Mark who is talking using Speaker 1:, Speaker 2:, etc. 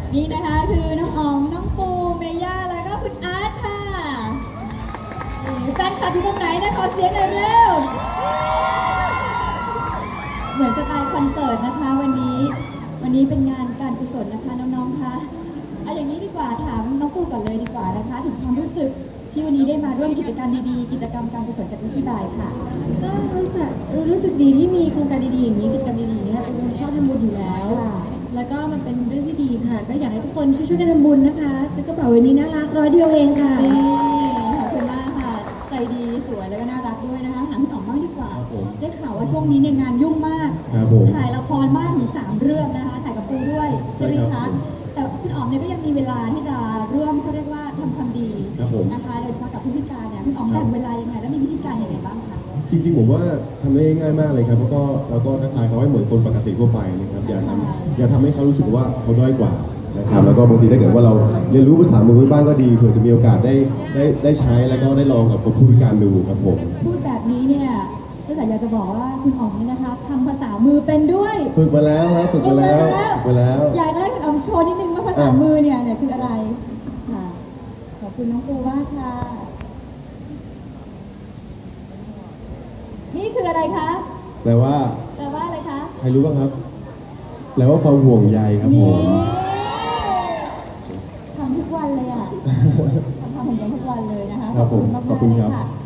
Speaker 1: นี่นะคะคือน้องอ๋องน้องปูเมย่าแล้วก็คุณอาร์ตค่ะแฟนคลับอยู่ตรงไหนนะขอเสียงหน่อยเร็วเหมือนสไตล์คอนเสิร์ตนะคะวันนี้เป็นงานการกุศลนะคะน้องๆคะเอาอย่างนี้ดีกว่าถามน้องปูก่อนเลยดีกว่านะคะถึงความรู้สึกที่วันนี้ได้มาร่วมกิจกรรมดีๆกิจกรรมการกุศลจากวิชีบายค่ะ
Speaker 2: ก็รู้สึกดีที่มีโครงการดีๆอย่างนี้กิจกรรมดีๆเนี่ยเป็นคนชอบทำบุญอยู่แล้วแล้วก็มันเป็นเรื่องที่ดีค่ะก็อยากให้ทุกคนช่วยๆกันทำบุญนะคะซื้อกระเป๋าวันนี้น่ารัก100 เดียวเองค่ะ
Speaker 1: ขอบคุณมากค่ะใจดีสวยแล้วก็น่ารักด้วยนะคะถามพี่อ๋อมบ้างดีกว่าได้ข่าวว่าช่วงนี้เนี่ยงานยุ่งมากถ่ายละครบ้านถึง3 เรื่องนะคะถ่ายกับปูด้วยใช่ไหมคะแต่คุณอ๋อมเนี่ยก็ยังมีเวลาที่จะร่วมเขาเรียกว่าทำความดีนะคะโดยเฉพาะกับผู้พิการเนี่ยคุณอ๋อมแบ่งเวลายังไงและมีวิธีการยังไงบ้างคะ
Speaker 3: จริงๆผมว่าทำได้ง่ายมากเลยครับแล้วก็ทักทายเขาให้เหมือนคนปกติทั่วไปนะครับอย่าทำให้เขารู้สึกว่าเขาด้อยกว่านะครับแล้วก็บางทีถ้าเกิดว่าเราเรียนรู้ภาษามือบ้างก็ดีเผื่อจะมีโอกาสได้ใช้แล้วก็ได้ลองกับผู้พิการดูครับผม
Speaker 1: พูดแบบนี้เนี่ยก็อยากจะบอกว่าคุณอ๋อมนี่นะคะทำภาษามือเป็นด้วย
Speaker 3: ฝึกมาแล้วครับฝึกมาแล้ว
Speaker 1: อยากได้คุณอ๋อมโชว์นิดนึงว่าภาษามือเนี่ยคืออะไรค่ะขอบคุณน้องปูมากค่ะนี่คืออะไรคะ
Speaker 3: แปลว่า
Speaker 1: อะไรคะ
Speaker 3: ใครรู้บ้างครับแปลว่าความห่วงใยครับผม
Speaker 1: ทำทุกวันเลยอ่ะทำอย่างนี้ทุกวันเลยนะคะ
Speaker 3: ขอบคุณมาก
Speaker 1: ๆเลยค่ะ